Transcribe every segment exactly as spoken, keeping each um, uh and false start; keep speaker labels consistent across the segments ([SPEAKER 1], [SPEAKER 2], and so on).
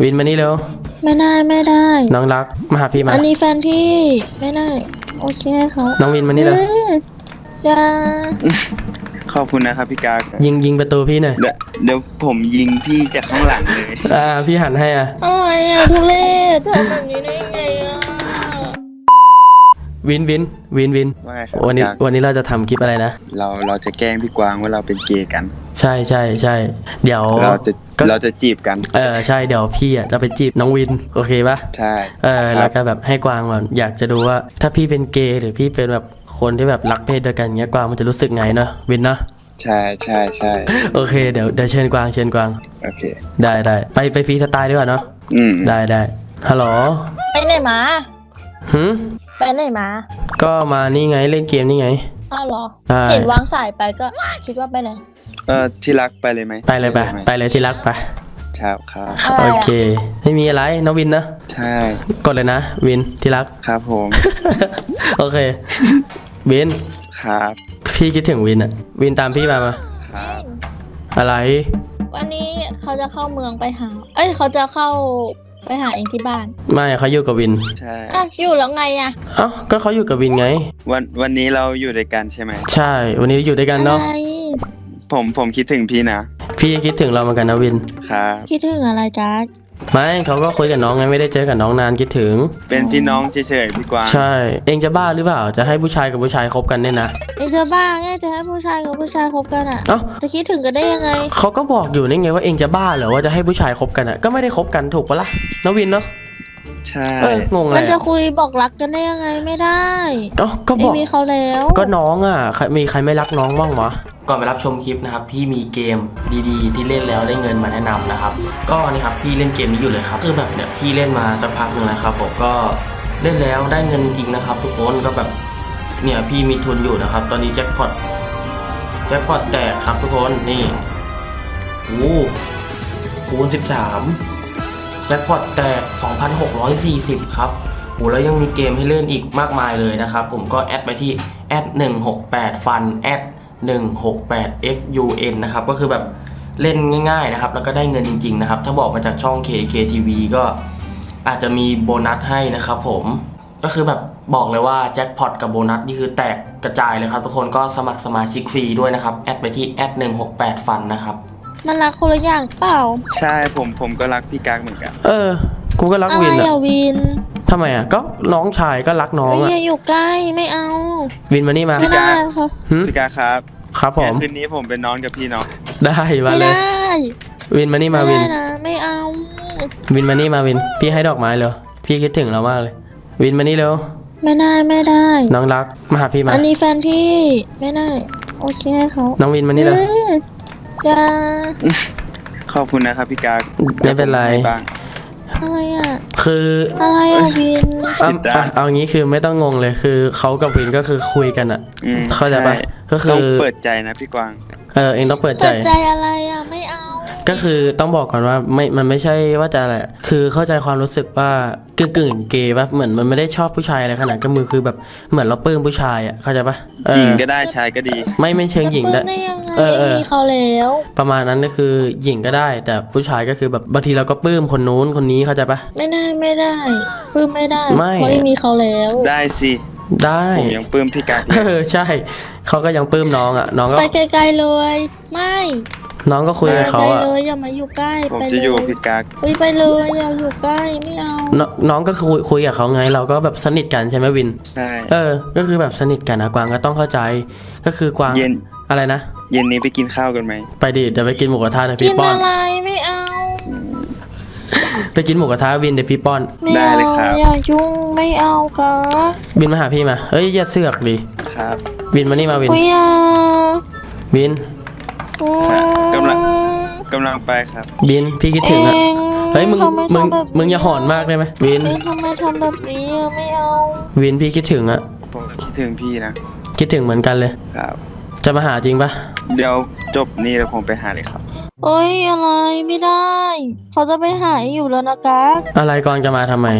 [SPEAKER 1] วินมานี่เร็ว
[SPEAKER 2] ไม่ได้ไม่ได้
[SPEAKER 1] น้องรักมาหาพี่มา
[SPEAKER 2] อันนี้แฟนพี่ไม่ได้โอเคเขา
[SPEAKER 1] น้องวินมานี่เร็ว
[SPEAKER 2] อย่า
[SPEAKER 3] ขอบคุณนะครับพี่กาก
[SPEAKER 1] ยิงยิงประตูพี่หน่อย
[SPEAKER 3] เดี๋ยวเดี๋ยวผมยิงพี่จากข้างหลังเลย
[SPEAKER 1] อ่าพี่หันให้อ่ะ
[SPEAKER 2] อะไรอ่ะทุเรศทำแบบนี้ได้ไงอ่ะ
[SPEAKER 1] วินวินวินวิน
[SPEAKER 3] ว่าไงครับ
[SPEAKER 1] วันนี้วันนี้เราจะทำคลิปอะไรนะ
[SPEAKER 3] เราเราจะแกล้งพี่กวางว่าเราเป็นเกย์กัน
[SPEAKER 1] ใช่ใช่ใช่เดี๋ยว
[SPEAKER 3] เราจะเราจะจีบกัน
[SPEAKER 1] เออใช่เดี๋ยวพี่อ่ะจะไปจีบน้องวินโอเคปะ
[SPEAKER 3] ใช่
[SPEAKER 1] เออแล้วก็แบบให้กวางมันอยากจะดูว่าถ้าพี่เป็นเกย์หรือพี่เป็นแบบคนที่แบบรักเพศเดียวกันเงี้ยกวางมันจะรู้สึกไงเนาะวินเนาะ
[SPEAKER 3] ใช่ใช่ใช่
[SPEAKER 1] โอเคเดี๋ยวเดี๋ยวเชิญกวางเชิญกวาง
[SPEAKER 3] โอเค
[SPEAKER 1] ได้ได้ไปไปฟรีสไตล์ดีกว่าเนาะ
[SPEAKER 3] อืม
[SPEAKER 1] ได้ได้ฮัลโหล
[SPEAKER 2] ไปไหนมา
[SPEAKER 1] หืม
[SPEAKER 2] ไปไหนมา
[SPEAKER 1] ก็มานี่ไงเล่นเกมนี่ไง
[SPEAKER 2] อ้าวเหรอเห็นวางสายไปก็คิดว่าไปไหน
[SPEAKER 3] เออที่รักไปเลยไหม
[SPEAKER 1] ไปเลยไปไปเลยที่รักไป
[SPEAKER 3] ครับครับ
[SPEAKER 1] โอเคไม่มีอะไรน้องวินนะ
[SPEAKER 3] ใช่
[SPEAKER 1] กดเลยนะวินที่รัก
[SPEAKER 3] ครับผม
[SPEAKER 1] โอเควิน
[SPEAKER 3] ครับ
[SPEAKER 1] พี่คิดถึงวินอะวินตามพี่มามา
[SPEAKER 3] ครับ
[SPEAKER 1] อะไร
[SPEAKER 2] วันนี้เขาจะเข้าเมืองไปหาเอ้ยเขาจะเข้าไปหาเองที่บ้าน
[SPEAKER 1] ไม่เขาอยู่กับวิน
[SPEAKER 3] ใช่
[SPEAKER 2] อ่ะอยู่แล้วไงอ่ะ
[SPEAKER 1] เอ้าก็เขาอยู่กับวินไง
[SPEAKER 3] วันวันนี้เราอยู่ด้วยกันใช่ไหม
[SPEAKER 1] ใช่วันนี้อยู่ด้วยกันเนาะ
[SPEAKER 3] ผมผมคิดถึงพี่นะ
[SPEAKER 1] พี่คิดถึงเราเหมือนกันนะวิน
[SPEAKER 3] ครับ
[SPEAKER 2] คิดถึงอะไรจ๊ะ
[SPEAKER 1] ไม่เขาก็คุยกับน้องไงไม่ได้เจอกับน้องนานคิดถึง
[SPEAKER 3] เป็นพี่น้องเฉยๆพี่กวาง
[SPEAKER 1] ใช่เองจะบ้าหรือเปล่าจะให้ผู้ชายกับผู้ชายคบกันเนี่ยนะ
[SPEAKER 2] เองจะบ้าไงจะให้ผู้ชายกับผู้ชายคบกันอ่ะ
[SPEAKER 1] เอ้า
[SPEAKER 2] จะคิดถึงกันได้ยังไง
[SPEAKER 1] เขาก็บอกอยู่นี่ไงว่าเองจะบ้าเหรอว่าจะให้ผู้ชายคบกันอ่ะก็ไม่ได้คบกันถูกปะล่ะน้องวินเนาะ
[SPEAKER 3] ใช่
[SPEAKER 1] งงเลย
[SPEAKER 2] มันจะคุยบอกรักกันได้ยังไงไม่ได้
[SPEAKER 1] อ๋อก็บอก
[SPEAKER 2] มีเขาแล้ว
[SPEAKER 1] ก็น้องอ่ะมีใครไม่รักน้องบ้างวะก่อนไปรับชมคลิปนะครับพี่มีเกมดีๆที่เล่นแล้วได้เงินมาแนะนำนะครับก็นี่ครับพี่เล่นเกมนี้อยู่เลยครับคือแบบเนี่ยพี่เล่นมาสักพักหนึ่งแล้วครับผมก็เล่นแล้วได้เงินจริงนะครับทุกคนก็แบบเนี่ยพี่มีทุนอยู่นะครับตอนนี้แจ็คพอตแจ็คพอตแตกครับทุกคนนี่โอ้คูณสิบสามแจ็คพอตแตก สองพันหกร้อยสี่สิบ ครับโอ้แล้วยังมีเกมให้เล่นอีกมากมายเลยนะครับผมก็แอดไปที่แอดหนึ่งหกแปดฟันแอดหนึ่งหกแปด เอฟ ยู เอ็น นะครับก็คือแบบเล่นง่ายๆนะครับแล้วก็ได้เงินจริงๆนะครับถ้าบอกมาจากช่อง เค เค ที วี ก็อาจจะมีโบนัสให้นะครับผมก็คือแบบบอกเลยว่าแจ็คพอตกับโบนัสนี่คือแตกกระจายเลยครับทุกคนก็สมัครสมาชิกฟรีด้วยนะครับแอดไปที่แอดหนึ่งหกแปดฟันนะครับ
[SPEAKER 2] มันรักคนละอย่างเปล่า
[SPEAKER 3] ใช่ผมผมก็รักพี่กากเหมือนกัน
[SPEAKER 1] เออกูก็รักวิน
[SPEAKER 2] อะวิน
[SPEAKER 1] ทำไมอ่ะก็น้องชายก็รักน้องอ่ะ
[SPEAKER 2] อย่าอยู่ใกล้ไม่เอา
[SPEAKER 1] วินมานี่มา
[SPEAKER 2] ไม่ได้ค่ะ
[SPEAKER 3] พี่กากครับ
[SPEAKER 1] ครับผม
[SPEAKER 3] คืนนี้ผมเป็นน้องกับพี่น้อง
[SPEAKER 1] ได้มาเลยวินมานี่มาวิน
[SPEAKER 2] ไม่เอา
[SPEAKER 1] วินมานี่มาวินพี่ให้ดอกไม้เลยพี่คิดถึงเรามากเลยวินมานี่เร็ว
[SPEAKER 2] ไม่ได้ไม่ได้
[SPEAKER 1] น้องรักมาหาพี่มา
[SPEAKER 2] อันนี้แฟนพี่ไม่ได้โอเคเขา
[SPEAKER 1] น้องวินมานี่เร็ว
[SPEAKER 2] อย่า
[SPEAKER 3] ขอบคุณนะครับพี่กาก
[SPEAKER 1] ไม่เป็นไร
[SPEAKER 2] อะไรอ่ะ
[SPEAKER 1] คือ
[SPEAKER 2] อะไรอ่ะวิน
[SPEAKER 1] เอาเอางี้คือไม่ต้องงงเลยคือเขากับวินก็คือคุยกันอ่ะเข้าใจปะก็คือ
[SPEAKER 3] ต้องเปิดใจนะพี่กวาง
[SPEAKER 1] เออเองต้องเปิดใจ
[SPEAKER 2] เปิดใจอะไรอ่ะไม่เอา
[SPEAKER 1] ก็คือต้องบอกก่อนว่าไม่มันไม่ใช่ว่าจะอะไรคือเข้าใจความรู้สึกว่ากึ่งกึ่งเกย์ป่ะเหมือนมันไม่ได้ชอบผู้ชายอะไรขนาดก็มือคือแบบเหมือนเราปลื้มผู้ชายอ่ะเข้าใจปะ
[SPEAKER 3] หญิงก็ได้ชายก็ดี
[SPEAKER 1] ไม่ไม่เชิงหญิงได้
[SPEAKER 2] เออเออมีเขาแล้ว
[SPEAKER 1] ประมาณนั้นก็คือหญิงก็ได้แต่ผู้ชายก็คือแบบบางทีเราก็ปลื้มคนนู้นคนนี้เข้าใจปะ
[SPEAKER 2] ไม่ได้ไม่ได้ปลื้มไม่ได้เพราะมีเขาแล้ว
[SPEAKER 3] ได้สิ
[SPEAKER 1] ได้
[SPEAKER 3] ผมยังปลื้มพี่กาก
[SPEAKER 1] เออใช่เขาก็ยังปลื้มน้องอ่ะน้องก็
[SPEAKER 2] ไปไกลๆเลยไม่
[SPEAKER 1] น้องก็คุยกับเขาอะ
[SPEAKER 2] เลยอย่ามาอยู่ใกล้
[SPEAKER 3] ผมจะอยู่พี่กาก
[SPEAKER 2] ไปไปเลยอย่าอยู่ใกล้ไม่เอา
[SPEAKER 1] น้องก็คุยคุยกับเขาไงเราก็แบบสนิทกันใช่ไหมวิน
[SPEAKER 3] ใช่
[SPEAKER 1] เออก็คือแบบสนิทกันนะกวางก็ต้องเข้าใจก็คือกวาง
[SPEAKER 3] เย็น
[SPEAKER 1] อะไรนะ
[SPEAKER 3] เย็นนี้ไปกินข้าวกันไหม
[SPEAKER 1] ไปดิเดี๋ยวไปกินหมูกระทะนะพี่ป้อน
[SPEAKER 2] กินอะไรไม่เอา
[SPEAKER 1] ไปกินหมูกระทะวินเดี๋ยวพี่ป้อน
[SPEAKER 3] ได้เลยครับ
[SPEAKER 2] อย่ายุ่งไม่เอาครับ
[SPEAKER 1] บินมาหาพี่มาเฮ้ยอย่าเสือกดิ
[SPEAKER 3] ครับ
[SPEAKER 1] บินมานี่มาวินบิน
[SPEAKER 3] กำลังกำลังไปครับ
[SPEAKER 1] บินพี่คิดถึงอ่ะเฮ้ยมึงมึงมึงอย่าหอนมากได้ไหมวิน
[SPEAKER 2] ทำไมทำแบบนี้ไม่เอา
[SPEAKER 1] วินพี่คิดถึงอ่ะ
[SPEAKER 3] ผมคิดถึงพี่นะ
[SPEAKER 1] คิดถึงเหมือนกันเลย
[SPEAKER 3] ครับ
[SPEAKER 1] จะมาหาจริงปะ
[SPEAKER 3] เดี๋ยวจบนี่แล้วผมไปหาเลยครับ
[SPEAKER 2] โอ้ยอะไรไม่ได้เขาจะไปหาอยู่แล้วนะกั๊ก
[SPEAKER 1] อะไรกองจะมาทำไม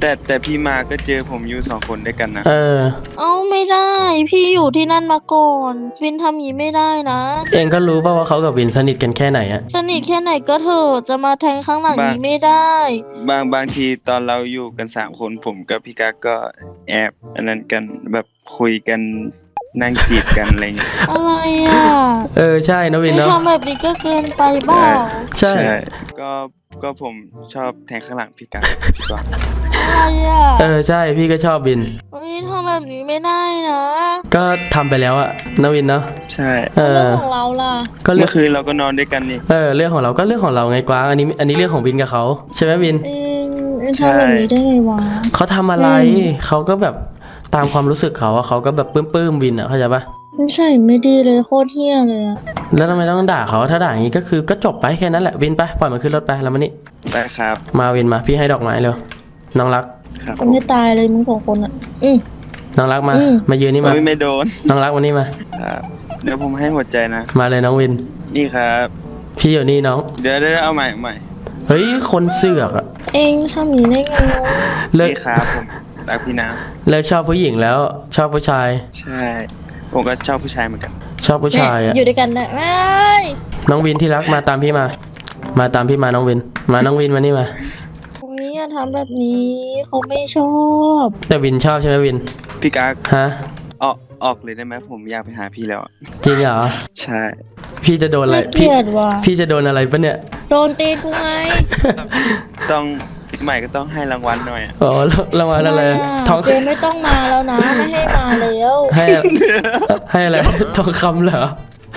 [SPEAKER 3] แต่แต่พี่มาก็เจอผมอยู่สองคนด้วยกันนะ
[SPEAKER 1] เออ
[SPEAKER 2] เอ้าไม่ได้ พี่อยู่ที่นั่นมาก่อนวินทำอย่างนี้ไม่ได้นะ
[SPEAKER 1] เองก็รู้ป่าวว่าเขากับวินสนิทกันแค่ไหนอะ
[SPEAKER 2] สนิทแค่ไหนก็เถอะจะมาแทงข้างหลังนี้ไม่ได้
[SPEAKER 3] บางบางทีตอนเราอยู่กันสามคนผมกับพี่กั๊กก็แอบอันนั้นกันแบบคุยกันนั่งจีบกันอะไรเงี้ย
[SPEAKER 2] อะไรอ่ะ
[SPEAKER 1] เออใช่นะวิน
[SPEAKER 2] ไม่
[SPEAKER 1] เนาะ
[SPEAKER 2] ทำแบบนี้ก็เกินไปเปล่า
[SPEAKER 1] ใช่
[SPEAKER 3] ก็ก็ผมชอบแทงข้างหลังพี่กั๊กพี่กวาง
[SPEAKER 2] อะไรอ่ะ
[SPEAKER 1] เออใช่พี่ก็ชอบวิน
[SPEAKER 2] เฮ้ยทำแบบนี้ไม่ได้นะ
[SPEAKER 1] ก็ทำไปแล้วอะนะวินเนาะ
[SPEAKER 3] ใช่
[SPEAKER 1] เอ
[SPEAKER 2] เรื่อ
[SPEAKER 1] อ
[SPEAKER 2] งของเราล่ะ
[SPEAKER 1] ก็เรื่
[SPEAKER 3] เมื่
[SPEAKER 1] อง
[SPEAKER 3] อคืนเราก็นอนด้วยกันนี่
[SPEAKER 1] เออเรื่องของเราก็เรื่องของเราไงกวางอันนี้อันนี้เรื่องของวินกับเขาใช่ไหมวิน
[SPEAKER 2] เองเองทำแบบนี้ได้ไงวะ
[SPEAKER 1] เขาทำอะไร
[SPEAKER 2] อืม
[SPEAKER 1] เขาก็แบบตามความรู้สึกเขาอะเขาก็แบบปลื้มๆวินอะเข้าใจปะ
[SPEAKER 2] นิสัยไม่ดีเลยโคตรเฮี้ยเลยอะ
[SPEAKER 1] แล้วทำไมต้องด่าเขาถ้าด่าอย่างนี้ก็คือก็จบไปแค่นั้นแหละวินไปปล่อยมันขึ้นรถไปแล้วมานี่
[SPEAKER 3] ได้ครับ
[SPEAKER 1] มาวินมาพี่ให้ดอกไม้เร็วน้องรัก
[SPEAKER 3] ครับ
[SPEAKER 2] คนไม่ตายเลยมึงสองคนอ่ะ อืม
[SPEAKER 1] น้องรักมา
[SPEAKER 2] อืม
[SPEAKER 1] มายืนนี่มา
[SPEAKER 3] โอ้ยไม่โดน
[SPEAKER 1] น้องรักวันนี้มา
[SPEAKER 3] ครับเดี๋ยวผมให้หัวใจนะ
[SPEAKER 1] มาเลยน้องวิน
[SPEAKER 3] นี่ครับ
[SPEAKER 1] พี่อยู่นี่น้อง
[SPEAKER 3] เดี๋ยวเดี๋ยวเอาใหม่เอาใหม่
[SPEAKER 1] เฮ้ยคนเสือกอะ
[SPEAKER 2] เองทำอย่างนี้ได้ไงวะ
[SPEAKER 1] เลิก
[SPEAKER 3] นี่ครับผมรักพี่น้
[SPEAKER 1] เลิกชอบผู้หญิงแล้วชอบผู้ชาย
[SPEAKER 3] ำใช่ ผมก็ชอบผู้ชายเหมือนกัน
[SPEAKER 1] ชอบผู้ชายอะ
[SPEAKER 2] อยู่ด้วยกันได้ไม่
[SPEAKER 1] น้องวินที่รักมาตามพี่มา มาตามพี่มาน้องวิน มาน้องวินมานี่มา
[SPEAKER 2] โอ้ยอย่าทำแบบนี้เขาไม่ชอบ
[SPEAKER 1] แต่วินชอบใช่ไหมวิน
[SPEAKER 3] พี่กั๊ก
[SPEAKER 1] ฮะ
[SPEAKER 3] ออกออกเลยได้ไหมผมอยากไปหาพี่แล้วอะ
[SPEAKER 1] จริงเหรอ
[SPEAKER 3] ใช่
[SPEAKER 1] พี่จะโดนอะไร
[SPEAKER 2] น่าเก
[SPEAKER 1] พี่
[SPEAKER 2] ลียดว่ะ
[SPEAKER 1] พี่จะโดนอะไรปะเนี่ย
[SPEAKER 2] โดนตีกูไง
[SPEAKER 3] ต้องใหม่ก็ต้องให้รางวัลหน่อยอะ
[SPEAKER 1] อ๋อแล้วรางวัลอะไร
[SPEAKER 2] ม่ะ
[SPEAKER 1] ทอง
[SPEAKER 2] เจมไม่ต้องมาแล้วนะ ไม่ให้มาแล้ว
[SPEAKER 1] ให้ให้อะไรทองคำเหรอ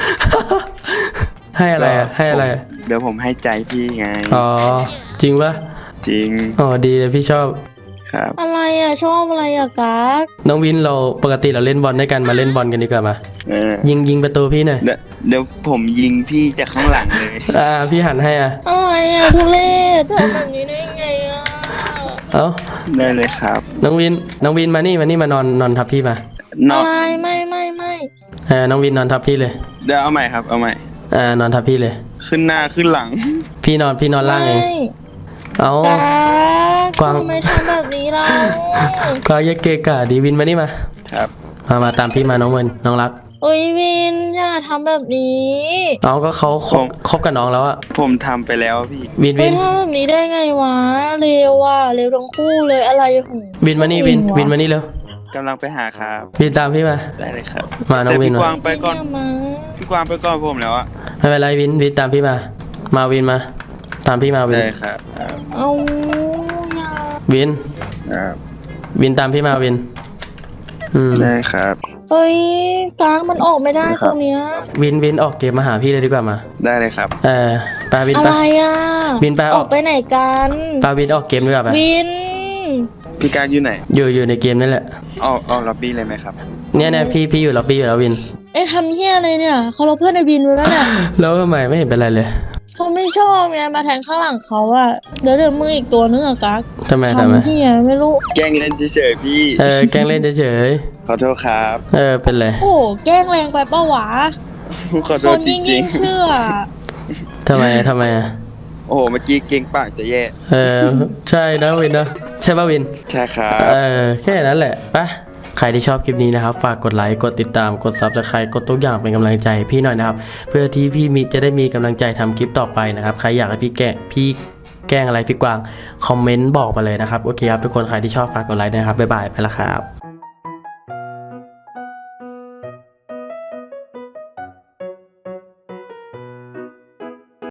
[SPEAKER 1] ให้อะไรอะให้อะไรอะ
[SPEAKER 3] เดี๋ยวผมให้ใจพี่ไง
[SPEAKER 1] อ๋อจริงปะ
[SPEAKER 3] จริง
[SPEAKER 1] อ๋อดีเลยพี่ชอบ
[SPEAKER 3] ครับ
[SPEAKER 2] อะไรอ่ะ ชอบอะไรอ่ะกั๊ก
[SPEAKER 1] น้องวินเราปกติเราเล่นบอลด้วยกันมาเล่นบอลกันดีกว่ามา
[SPEAKER 3] เออ
[SPEAKER 1] ยิงยิงประตูพี่หน่อย
[SPEAKER 3] เดี๋ยวเดี๋ยวผมยิงพี่จากข้างหลังเลย
[SPEAKER 1] อ่าพี่หันให้อ่ะ
[SPEAKER 2] อะไรอ่ะทุเรศทำแบบนี้ได้ไงอ่ะ
[SPEAKER 1] เอ้า
[SPEAKER 3] ได้เลยครับ
[SPEAKER 1] น้องวินน้องวินมานี่มานี่มานอนนอนทับพี่มาน
[SPEAKER 3] อ
[SPEAKER 2] อะ
[SPEAKER 3] ก
[SPEAKER 2] ไรไม่ไม่ไม่
[SPEAKER 1] เออน้องวินนอนทับพี่เลย
[SPEAKER 3] เดี๋ยวเอาใหม่ครับ เอาใหม่
[SPEAKER 1] อ่านอนทับพี่เลย
[SPEAKER 3] ขึ้นหน้าขึ้นหลัง
[SPEAKER 1] พี่นอนพี่นอนล่างเอง
[SPEAKER 2] ไม่
[SPEAKER 1] เอ้า
[SPEAKER 2] กั๊
[SPEAKER 1] กวาง
[SPEAKER 2] ทำไมทำแบบนี้เรา
[SPEAKER 1] ก็ยกเกะกะดีวินมานี่มา
[SPEAKER 3] ครับ
[SPEAKER 1] มามาตามพี่มาน้องวินน้องรัก
[SPEAKER 2] โอ้ยวินอย่าทำแบบนี้
[SPEAKER 1] เอาก็เขาคบคบกับน้องแล้วอะ
[SPEAKER 3] ผมทำไปแล้วพี่
[SPEAKER 1] วิน
[SPEAKER 2] ไม่
[SPEAKER 1] วิน
[SPEAKER 2] ทำแบบนี้ได้ไงวะเร็วว่ะเร็วทั้งคู่เลยอะไรของ
[SPEAKER 1] วินมานี่วินวินมานี่เร็ว
[SPEAKER 3] กำลังไปหาครับ
[SPEAKER 1] วินตามพี่มา
[SPEAKER 3] ได้เลยครับ
[SPEAKER 1] มาน้อง
[SPEAKER 3] แต่
[SPEAKER 1] วิน
[SPEAKER 3] พี่
[SPEAKER 1] มาก
[SPEAKER 3] วางไปก่อน
[SPEAKER 2] เนี่ยมา
[SPEAKER 3] พี่กวางไปก่อนผมแล้วอะ
[SPEAKER 1] ไม่เป็นไรวินวินตามพี่มา มาวินมา ตามพี่มาวิน
[SPEAKER 3] ได้ครับครับ
[SPEAKER 2] เอาอย่า
[SPEAKER 1] วิน
[SPEAKER 3] ครับ
[SPEAKER 1] วินตามพี่มาวิน อืม
[SPEAKER 3] ได้ครับ
[SPEAKER 2] เฮ้ยกลางมันออกไม่ได้
[SPEAKER 3] ได้ค
[SPEAKER 2] ต
[SPEAKER 3] รับ
[SPEAKER 2] รงเนี้ย
[SPEAKER 1] วินวินออกเกมมาหาพี่เลยดีกว่ามา
[SPEAKER 3] ได้เลยครับ
[SPEAKER 1] เออปาวิน
[SPEAKER 2] อะ
[SPEAKER 1] ไป
[SPEAKER 2] ไรอ่ะ
[SPEAKER 1] วินไปอ
[SPEAKER 2] อ
[SPEAKER 1] อ
[SPEAKER 2] อก กไปไหนกัน
[SPEAKER 1] ปาวินออกเกมดีกว่าไป
[SPEAKER 2] วิน
[SPEAKER 3] พี่การอยู่ไหน
[SPEAKER 1] อยู่อยู่ในเกมนั่นแหละ
[SPEAKER 3] ออกออกล็อบบี้เลยไหมครับ
[SPEAKER 1] เนี่ยเนี่ยพี่พี่อยู่ล็อบบี้อยู่แล้ววิน
[SPEAKER 2] เอ้ยทำเฮี้ยอะไรเนี่ยเขาเราเพื่อนในวินไว้แล้วเนี่ย
[SPEAKER 1] แล้วทำไมไม่เห็นเป็นไรเลย
[SPEAKER 2] เขาไม่ชอบไงมาแทงข้างหลังเขาอะเดี๋ยวเดี๋ยวมืออีกตัวนึงอะกั๊ก
[SPEAKER 1] ทำไมทำไม
[SPEAKER 2] ทำเฮี้ยไม่รู้
[SPEAKER 3] แกล้งเล่นเฉยๆพี่
[SPEAKER 1] เออแกล้งเล่นเฉย
[SPEAKER 3] ขอโทษครับ
[SPEAKER 1] ๆเออเป็นไร
[SPEAKER 2] โอ้โหแกล้งแรงไปป้าวะ
[SPEAKER 3] ขอโท
[SPEAKER 2] ค
[SPEAKER 3] ษ
[SPEAKER 2] น
[SPEAKER 3] จ
[SPEAKER 2] ยิ่ง
[SPEAKER 3] ริ
[SPEAKER 2] ยิ่
[SPEAKER 3] ง
[SPEAKER 2] งเชื่อ
[SPEAKER 1] ทำไมทำไมอะ
[SPEAKER 3] ๆ โอ้โห เมื่อกี้เก่งปากจะแย่
[SPEAKER 1] เออใช่นะวินนะใช่ป่ะวิน
[SPEAKER 3] ใช่ครับ
[SPEAKER 1] เออแค่นั้นแหละไปใครที่ชอบคลิปนี้นะครับฝากกดไลค์กดติดตามกด ซับสไครบ์ กดทุกอย่างเป็นกำลังใจให้พี่หน่อยนะครับเพื่อที่พี่มีจะได้มีกำลังใจทำคลิปต่อไปนะครับใครอยากให้พี่แกะพี่แกล้งอะไรพี่กวางคอมเมนต์บอกมาเลยนะครับโอเคครับทุกคนใครที่ชอบฝากกดไลค์ด้วยนะครับบ๊ายบายไปละครับ